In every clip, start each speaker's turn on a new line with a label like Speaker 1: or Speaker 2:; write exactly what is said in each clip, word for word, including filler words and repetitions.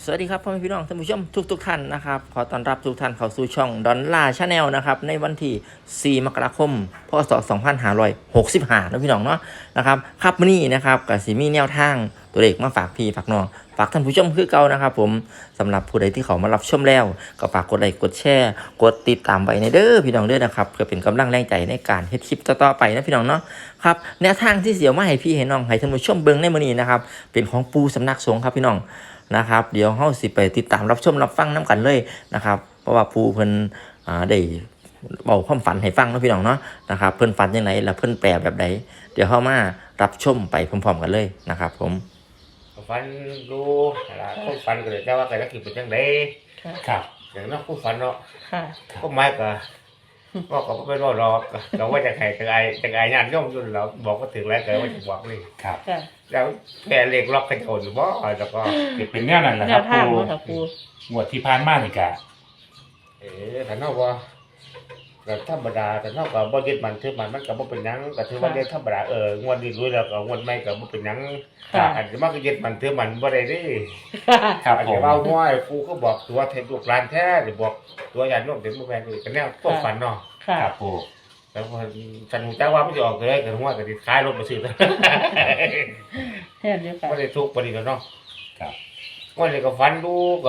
Speaker 1: สวัสดีครับพ่อแม่พี่น้องท่านผู้ชมทุกทุกท่านนะครับขอต้อนรับทุกท่านเข้าสู่ช่องดอนล่าชาแนลนะครับในวันที่สี่มกราคมพศสองพันห้าร้อยหกสิบห้านะพี่น้องเนาะนะครับครับมื้อนี้นะครับกับสีมีแนวทางตัวเลขมาฝากพี่ฝากน้องฝากท่านผู้ชมคือเก่านะครับผมสำหรับผู้ใดที่เขามารับชมแล้วก็ฝากกดไลค์กดแชร์กดติดตามไว้ในเด้อพี่น้องเด้อนะครับเพื่อเป็นกำลังแรงใจในการเฮ็ดคลิปต่อๆไปนะพี่น้องเนาะครับแนวทางที่เสียวมาให้พี่ให้น้องให้ท่านผู้ชมเบิ่งในมื้อนี้นะครับเป็นของปูสำนักสงฆ์ครับพี่น้องนะครับเดี๋ยวเฮาสิไปติดตามรับชมรับฟังน้ำกันเลยนะครับเพราะว่าปูเพิ่นอ่าได้เบาความฝันให้ฟังเนาะพี่น้องเนาะนะครับเพิ่นฝันยังไงแล้วเพิ่นแปลแบบใดเดี๋ยวเฮามารับชมไปพร้อมๆกันเลยนะครับผม
Speaker 2: ฝันดูอะไรก็ฝันก็เลยแต่ว่าแต่ละคือเป็นจังได
Speaker 3: ครับ
Speaker 2: อย่างนั้นก็ฝันเนาะ
Speaker 4: ค่ะ
Speaker 2: ก็ไม่ก็ก็ก็ไม่รอดหรอกก็ว่าจะใครจะไอจะไองานย่อมยุ่นเราบอกก็ถึงแล้วแต่ว่าจะบอกนี่
Speaker 3: ครับ
Speaker 4: ค่ะ
Speaker 2: แล้วแค่เล็กล็อกกระโจนบ่แล้วก็
Speaker 3: เป็นแนวนั้นแหละ
Speaker 4: แน
Speaker 3: ครับ
Speaker 4: วทาง
Speaker 3: ปู
Speaker 4: เนาะค่ะปู
Speaker 3: งวดที่ผ่านมานี่กะ
Speaker 2: เออถ้าเนาะว่าก็ธรรมดาแต่เนาะก็บ่ยึดมันถือมันมันก็บ่เป็นหยังก็ถือว่าได้ธรรมดาเอองวดนี้รู้แล้วก็งวดใหม่ก็บ่เป็นหยังอาจจะมาก็ยึดมันถือมันบ่ได้เด้
Speaker 3: ครับ
Speaker 2: อาจ
Speaker 3: ผ
Speaker 2: จะ
Speaker 3: ม
Speaker 2: เว้าห้อยกูก็บอกตัวเทลูกหลานแท้จะบอกตัวญาติโยมเป็นบ่แม่นนี่ก็แนวพวกฝันเนาะ
Speaker 4: ค่ะ
Speaker 3: ครับปู
Speaker 2: แล้วพอฉันรู้จักว่ามันจะออกเลยก็หัวก็สิขายรถมาซื้อ
Speaker 4: เห็นอยู่ค่ะ
Speaker 2: บ่ได้ทุกข์บ่ได้เนาะ
Speaker 3: ครับ
Speaker 2: วันนี้ก็ฝันดูก็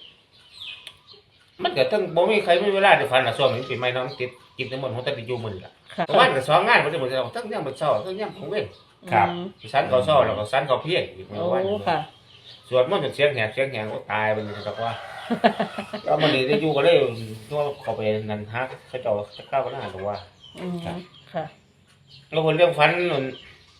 Speaker 2: มันก็ทั้งบ่มีใครมีเวลาได้ฝันน่ะช่วงนี้ปีใหม่เนาะมันติดกินทั้งหมดหัวแต่อยู่มื้อนี้ล่ะ
Speaker 4: ค่ะ
Speaker 2: ประมาณก็สองงานบ่ได้บ่ได้ทั้งยามมื้อเช้าทั้งยามของเว้น
Speaker 3: ครับ
Speaker 4: อืม
Speaker 2: สันเขาเช้าแล้วก็สันเขาเพียงอีกมื้
Speaker 4: โอ้
Speaker 2: อวาน
Speaker 4: ค่ะ
Speaker 2: สวดมนต์จนเสียงแหบเสียงแหงก็ตายไปเลยครับว่า แล้วมื้อนี้ได้อยู่ก็เลยตัวเข้าไปนั่นฮักเขาเจ้าจะเข้าก็น่าตัวว่า
Speaker 4: อืมค่ะ
Speaker 2: แล้วคนเรื่องฟันนั่น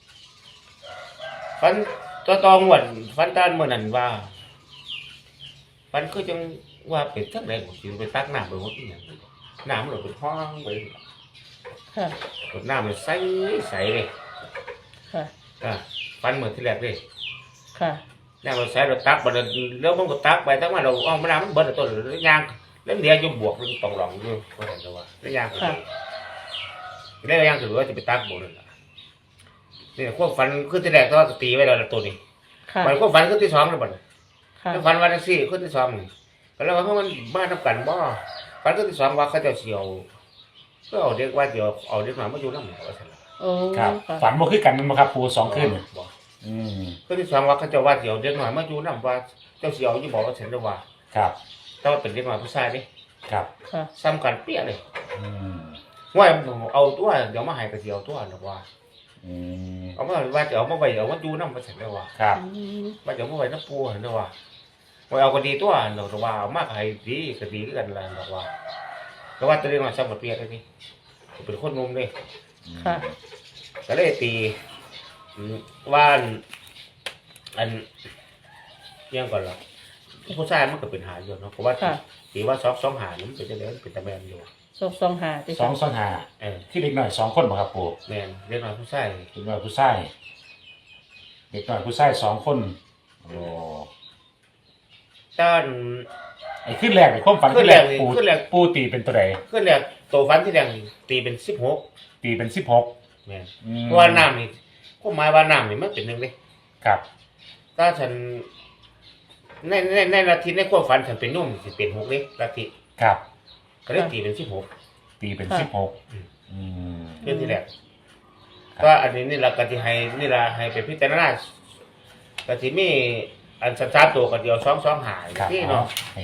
Speaker 2: ฟันตัวตองหวนฟันต้านเมื่อนั้นว่าฟันก็จังว่าเป็นทั้งไหนผมสิไปตักน้ำไปหมดนี่น้ำมันเป็นห้องไป
Speaker 4: ค่ะ
Speaker 2: น้ำมันใสใสเลย
Speaker 4: ค่ะ
Speaker 2: อ่ะฟันเหมือนที่แรกเลย
Speaker 4: ค่ะ
Speaker 2: น้ำมันใสเราตักไปแล้วมันก็ตักไปทั้งวันเราอ้อมน้ำมันเบิดตัวแล้วยางแล้วเดี๋ยวจะบวกมันต้องหลงอยู่ก็เห็นแล้วว่าแล้วยางแล้วยางถือว่าจะไปตักบวกนั่นแหละนี่พวกฟันขึ้นที่แรกก็ตีไว้แล้วตัวนี้
Speaker 4: ค่ะ
Speaker 2: มันก็ฟันขึ้นที่สองแล้วบัด
Speaker 4: ค่ะ
Speaker 2: แล้วฟันวันที่สี่ขึ้นที่สองนี่ก็แล้วว่าเพราะมันบ้านทำกันบ่ฟันขึ้นที่สองว่าเขาจะเสียวก็เอาเด็กว่าเดี๋ยวเอาเด็กมามาอยู่น้ำหนึ่งว่าสั่น
Speaker 4: โอ้
Speaker 3: ครับ
Speaker 4: ค่ะ
Speaker 3: ฝันบ่คือกันแมันบ่ครับปูสองคืน
Speaker 2: บ่
Speaker 3: อืม
Speaker 2: ขึ้นที่สองว่าเขาจะว่าเดี๋ยวเด็กหน่อยมาอยู่น้ำว่าเจ้าเสียวยี่บอกว่าฉันจะว่า
Speaker 3: ครับ
Speaker 2: แต่ว่าเป็นเด็กหน่อยผู้ชายดิ
Speaker 3: ครับ
Speaker 4: ค่ะ
Speaker 2: ซ้ำกันเปี้ยเลย
Speaker 3: อืม
Speaker 2: ว่าเอาตัวเดี๋ยวมาให้กับเสียวตัวหรอกว่า
Speaker 3: อืม
Speaker 2: เอามาว่าจะเอามาไว้เอามาอยู่น้ำว่าฉันจะว่า
Speaker 3: ครับ
Speaker 4: อืม
Speaker 2: ว่าจะเอามาไว้น้ำปูเห็นว่าว่าเอาก็ดีตัวหรอกว่าเอามากให้ดีก็ดีกันแหละหรอกว่าแต่ว่าตัวเด็กหน่อยซ้ำกับเปี้ยเลยนี่เป็นคนงมเลย
Speaker 4: ค่ะ
Speaker 2: ก็เลยตีว่านอันเรื่องก่อนหรอผู้ชายมันก็เป็นหาอยู่เนาะเพราะว่า
Speaker 4: ค่ะ
Speaker 2: ตีว่าสองสองหานี่มันเป็นจะเล่นเป็นตะแมนอยู่
Speaker 4: สองสองหาติ
Speaker 3: สองสองห้า
Speaker 2: เออ
Speaker 3: ที่เด็กหน่อยสองคนบ่ครับปู
Speaker 2: แมนเรียกมาผู้ชาย
Speaker 3: เด็กหน่อยผู้ชายเด็กหน่อยผู้ชายสองคนโอ้
Speaker 2: ต้าน
Speaker 3: ไอ้ขึ้นแรกไอ้ความฝัน
Speaker 2: ขึ้
Speaker 3: ขึ้
Speaker 2: น
Speaker 3: น
Speaker 2: แร
Speaker 3: แร
Speaker 2: ก
Speaker 3: ก
Speaker 2: เลย
Speaker 3: ปู
Speaker 2: ขึ้นแรก
Speaker 3: ปูตีเป็นตัวใด
Speaker 2: ขึ้นแรกโตฟันที่แดงตีเป็นสิบหก
Speaker 3: ตีเป็นสิบหก
Speaker 2: แมน
Speaker 3: อืม
Speaker 2: เพราะว่าน้ำนี่ก็หมายว่าน้ำนี่มันเป็นหนึ่งเลย
Speaker 3: ครับ
Speaker 2: ถ้าฉันในในในนาทีในความฝันฉันเป็นนุ่มสิเป็นหกเลยนาที
Speaker 3: ครับ
Speaker 2: ก็เลยตีเป็นสิบหก
Speaker 3: ตีเป็นสิบหกอืม
Speaker 2: เรื่องที่แรกก็อันนี้นี่เรากติให้นี่เราให้ไปพิจารณากติมีอันสัญชาติตัวกันเดียวสองสองหาย
Speaker 3: ครับ
Speaker 2: ที่เนาะ
Speaker 3: ให้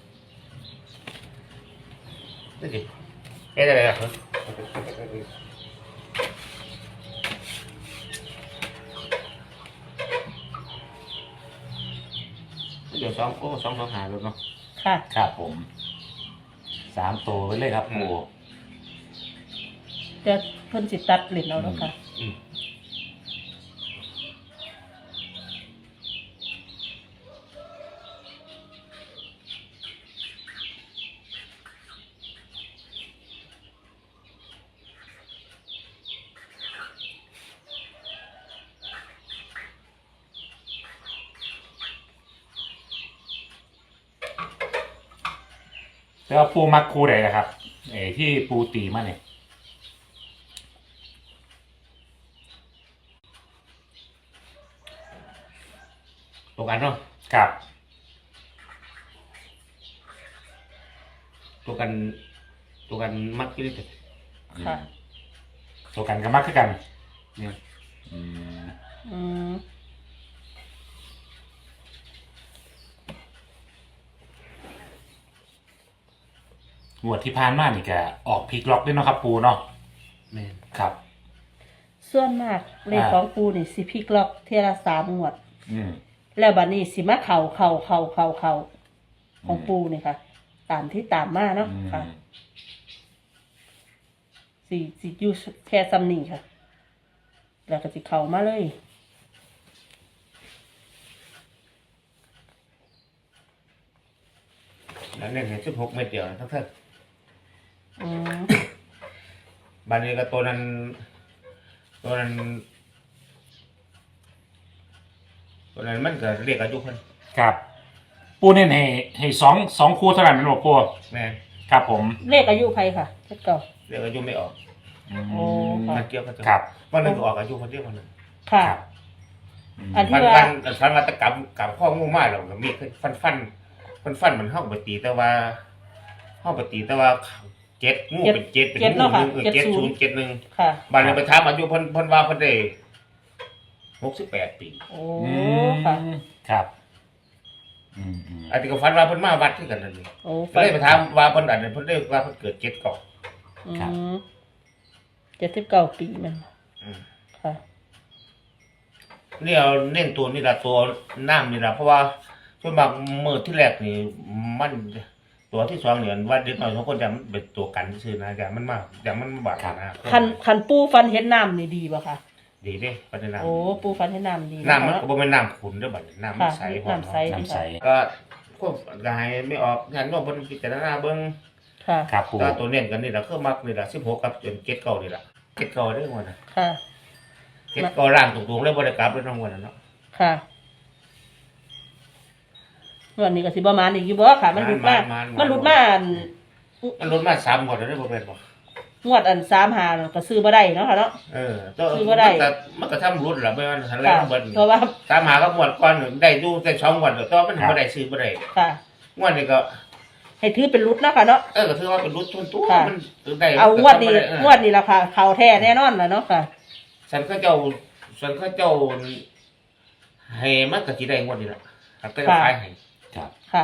Speaker 2: นี่สิเอ๊ะอะไรอ่ะเดี๋ยวสองโอ้สองสองหายแล้วเนาะ
Speaker 4: ค่ะ
Speaker 3: ครับผมสามตัวไปเลยครับปู
Speaker 4: จะเพิ่นสิตัดลิ้นเอาแล้วค่ะ
Speaker 2: อืม
Speaker 3: แล้วปูมักคูใดนะครับเออที่ปูตีมาเนี่ย
Speaker 2: ตรงกันเนาะ
Speaker 3: ครับ
Speaker 2: ตัวกันตัวกันมักที่นี่
Speaker 4: ค่ะ
Speaker 3: ตัวกันก็มักคือกัน
Speaker 2: เนี่ย
Speaker 3: อืม
Speaker 4: อืม
Speaker 3: งวดที่ผ่านมานี่ก็ออกพลิกล็อกด้วยเนาะครับปูเนาะ
Speaker 2: แม่น
Speaker 3: ครับ
Speaker 4: ส่วนมากเลขของปูนี่สิพลิกล็อกเทยละสามงวด
Speaker 3: อืม
Speaker 4: แล้วบัดนี้สิมาเข่าเข่าเข่าเข่าเข่าของปูนี่ค่ะ ตามที่ตามมาเนาะ
Speaker 3: อืม
Speaker 4: ค่ะสิสิอยู่แค่ซ้ำนี่ค่ะ แล้วก็สิเข่ามาเลย
Speaker 2: แล้วเนี่ยเห็นสิบหกเม็ดเดียวนะทั้งทั้ง
Speaker 4: อืม
Speaker 2: บานนี้ก็ตัวนั้น ตัวนั้น ตัวนั้นมันก็เรียกอายุคน
Speaker 3: ครับ ปูเน้นให้ให้สองสองคู่เท่านั้นหรอปู
Speaker 2: แม่น
Speaker 3: ครับผม
Speaker 4: เลขอายุใครค่ะเจ็ดเก่า
Speaker 2: เรียกอายุไม่ออก
Speaker 3: อืม
Speaker 4: โอ้ค่ะ
Speaker 2: มันเกี่ยวกับตัว
Speaker 3: ครับ
Speaker 2: วันนึงก็ออกอายุคนเดียวคนหนึง
Speaker 4: ค่ะ
Speaker 3: ครับอืม
Speaker 4: อันที่
Speaker 2: ฟัน
Speaker 4: ว่า
Speaker 2: ฟันฟันวัตกรรมกับข้องูมากเราก็มีฟันฟันฟันฟันมันเข้าไปตีแต่ว่าเข้าไปตีแต่ว่าเจ็ดงูเป็นเจ็ดเป็น
Speaker 4: เจ็ด
Speaker 2: งู
Speaker 4: เนาะ
Speaker 2: ห
Speaker 4: ค่ะ
Speaker 2: นึ่งเออ
Speaker 4: เจ็ด
Speaker 2: เจ็ด
Speaker 4: ศู
Speaker 2: ศู
Speaker 4: น
Speaker 2: น
Speaker 4: ย์
Speaker 2: ย์เจ็ดหนึ่ง
Speaker 4: ค่ะ
Speaker 2: บานนี้ไปถามอายุเพิ่นเพิ่นว่าเพิ่นได้หกสิบแปดปี
Speaker 4: โอ้
Speaker 3: อื
Speaker 4: ค่ะ
Speaker 3: มครับอืมอืม
Speaker 2: อันนี้ก็ฟันว่าเพิ่นมาวัดที่กันนั่นนี่
Speaker 4: โอ้
Speaker 2: ก็เลยไปถามว่าเพิ่นอันนั้นเพิ่นได้ว่าเพิ่นเกิดเจ็ดเก่า
Speaker 4: อืมเจ็ดสิบเก้าปีแมัน
Speaker 2: อืม
Speaker 4: ค่ะ
Speaker 2: นี่เอาเน้นตัวนี่ละตัวน้ำนี่ละเพราะว่าส่วนมากมือที่แรกนี่มันตัวที่สองเนี่ยว่าเด็กน้อยสองคนจะมันเป็นตัวกันซื่อๆนะอย่ามันมาอย่ามันมาบาดนะ
Speaker 4: คันคันปูฟันเห็นน้ำนี่ดีป่ะคะ
Speaker 2: ดีเด้ปัญญา
Speaker 4: โอ้ปูฟันเห็นน้ำดี
Speaker 2: น้ำมัน
Speaker 4: คะ
Speaker 2: ก็บ่แม่นน้ำขุ่นเด้อบัดนี้น้ำมัน
Speaker 4: ค่ะ
Speaker 2: ใสพอ
Speaker 4: น้ำใส
Speaker 3: น้ำใส
Speaker 2: ก็ควบกายไม่ออกงานโน้มเพิ่นพิจารณาเบิ่ง
Speaker 4: ค่ะ
Speaker 3: ครับปู
Speaker 2: ก็ตัวเน้นกันนี่ล่ะคือมักนี่ล่ะสิบหกกับจนเจ็ดเก้านี่ล่ะเจ็ดเก้าได้หมดน่ะ
Speaker 4: ค่ะ
Speaker 2: เจ็ดเก้าล่างตรงๆเลยบ่ได้กลับเลยทั้งหมดน่ะเนาะ
Speaker 4: ค่ะวันนี้ก็สิประมาณอีกอยู่บ่ค่ะ มันหลุดมามันหลุดมาอัน
Speaker 2: มันลดมาสามหมดแล้วได้บ่เป็นบ่
Speaker 4: งวดอันสามหาก็ซื้อบ่ได้เนาะค่ะเนาะ
Speaker 2: เออตัว
Speaker 4: คือบ่ได้
Speaker 2: มันก็มันก็ทำรุดล่ะไม่ว่าทันแล้
Speaker 4: ค่ะ
Speaker 2: วเบิด
Speaker 4: เพราะว่า
Speaker 2: ตามหากับงวดก่อนได้อยู่แต่สองงวดแล้วแต่ว่ามันบ่ได้ซื้อบ่ได้
Speaker 4: ค่ะ
Speaker 2: งวดนี้ก็
Speaker 4: ให้ถือเป็นรุดเนาะค่ะเนาะ
Speaker 2: เออก็ถือว่าเป็นรุดทุนตัว
Speaker 4: ค่ะ
Speaker 2: มันได้
Speaker 4: เอางวดนี้
Speaker 2: ก็ทำบ่ไ
Speaker 4: งวดนี้ราคาเขาแท้แน่นอนล่ะเนาะค่ะ
Speaker 2: ฉันก็เจ้าฉันก็เจ้าให้มันก็สิได้งวดนี้ล่ะก็จะขายให้
Speaker 3: ครับ
Speaker 4: ค่ะ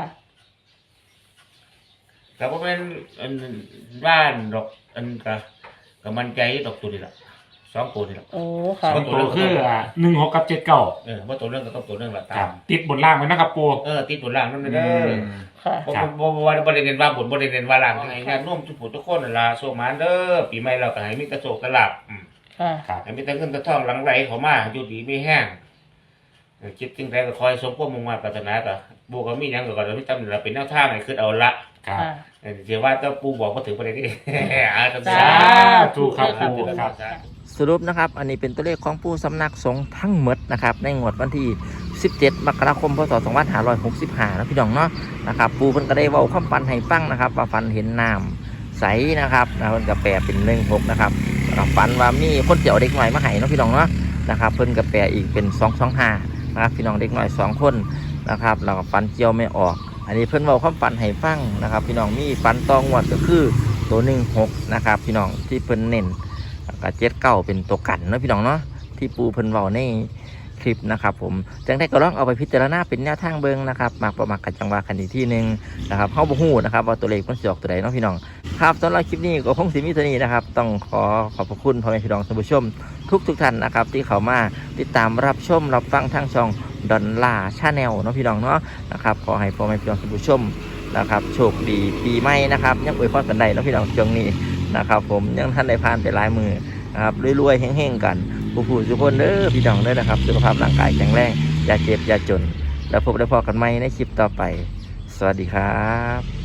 Speaker 2: แต่ว่าเป็นอันบ้านดอกอันก็ก็มันใจดอกตัวนี้ล่ะสองตัวนี่ล่ะ
Speaker 4: โอ้ค่ะ
Speaker 3: ส่วนตัวคืออ่าหนึ่งหกกับเจ็ดเก้า
Speaker 2: เออว่าตัวเรื่องก็ต้องตัวเรื่องละ
Speaker 3: ค
Speaker 2: ตา
Speaker 3: รับ
Speaker 2: ม
Speaker 3: ติดบนล่างไว้นะครับปู
Speaker 2: เออติดตัวล่างนั่น
Speaker 3: อื
Speaker 2: เด้อ
Speaker 3: ม
Speaker 4: ค่ะ
Speaker 2: บ่
Speaker 3: ครับ
Speaker 2: บ่บ่ว่าบ่ได้เน้นว่าบนบ่ได้เน้นว่าล่างให้งานร่วมทุกผู้ทุกคนนั่นล่ะโชคมาเด้อปีใหม่เราก็ให้มีกระโชคกระลาบอืม
Speaker 4: ค่ะ
Speaker 3: ครับ
Speaker 2: ให้มีแต่เงินแต่ทองหลังไหลเข้ามาอยู่ดีมีแห้งเออคิดจึงใดก็คอยสมความมุ่งมั่นปรารถนาก็บ่ก็มีหยังก็ก็มีตำนี่ล่ะเป็นแนวทางให้คือเอาละ
Speaker 3: ครับ
Speaker 4: ค่ะ
Speaker 2: เออเดี๋ยวว่าถ้าปูบอกบ่ถึงประเด็นนี้ อ่า
Speaker 4: สา
Speaker 2: สา
Speaker 3: ธุครับ
Speaker 4: ค่ะ
Speaker 3: ปูครับ
Speaker 1: สรุปนะครับ อันนี้เป็นตัวเลขของผู้สำนักสงฆ์ทั้งหมดนะครับในงวดวันที่ สิบเจ็ด มกราคม พศ สองพันห้าร้อยหกสิบห้านะพี่น้องเนาะนะครับปูเพิ่นก็ได้เว้าความฝันให้ฟังนะครับว่าฝันเห็นน้ำใสนะครับนะเพิ่นก็แปลเป็นหนึ่งหกนะครับแล้วก็ฝันว่ามีคนเจียวเด็กหน่อยมาให้เนาะพี่น้องเนาะนะครับเพิ่นก็แปลอีกเป็นสองสองห้านะครับพี่น้องเด็กหน่อยสองคนนะครับแล้วก็ฝันเจียวไม่ออก อันนี้เพิ่นเว้าความฝันให้ฟังนะครับ พี่น้องมีฝันตองวดก็คือตัวหนึ่งหกนะครับพี่น้องที่เพิ่นเน้น แล้วก็เจ็ดเก้าเป็นตัวกันเนาะพี่น้องเนาะที่ปูเพิ่นเว้าในคลิปนะครับผมจังได้ก็ลองเอาไปพิจารณาเป็นแนวทางเบิ่งนะครับมากประมาณกันจังว่าคันอีกที่หนึงนะครับเฮาบ่ฮู้นะครับว่าตัวเลขมันสิออกตัวใดเนาะพี่น้องครับสำหรับคลิปนี้ก็คงสิมีเท่านี้นะครับต้องขอขอบพระคุณพ่อแม่พี่น้องท่านผู้ชมทุกทุกท่านนะครับที่เข้ามาติดตามรับชมรับฟังทางช่องดอนล่าชาแนลเนาะพี่น้องเนาะนะครับขอให้พ่อแม่พี่น้องท่านผู้ชมนะครับโชคดีปีใหม่นะครับยังอวยพรกันได้เนาะพี่น้องช่วงนี้นะครับผมยังท่านได้ผ่านไปหลายมือนะครับรวยๆเฮงๆกันผู้ผู้ทุกคนเด้อพี่น้องเด้อนะครับสุขภาพร่างกายแข็งแรงอย่าเจ็บอย่าจนแล้วพบได้พอกันใหม่ในคลิปต่อไปสวัสดีครับ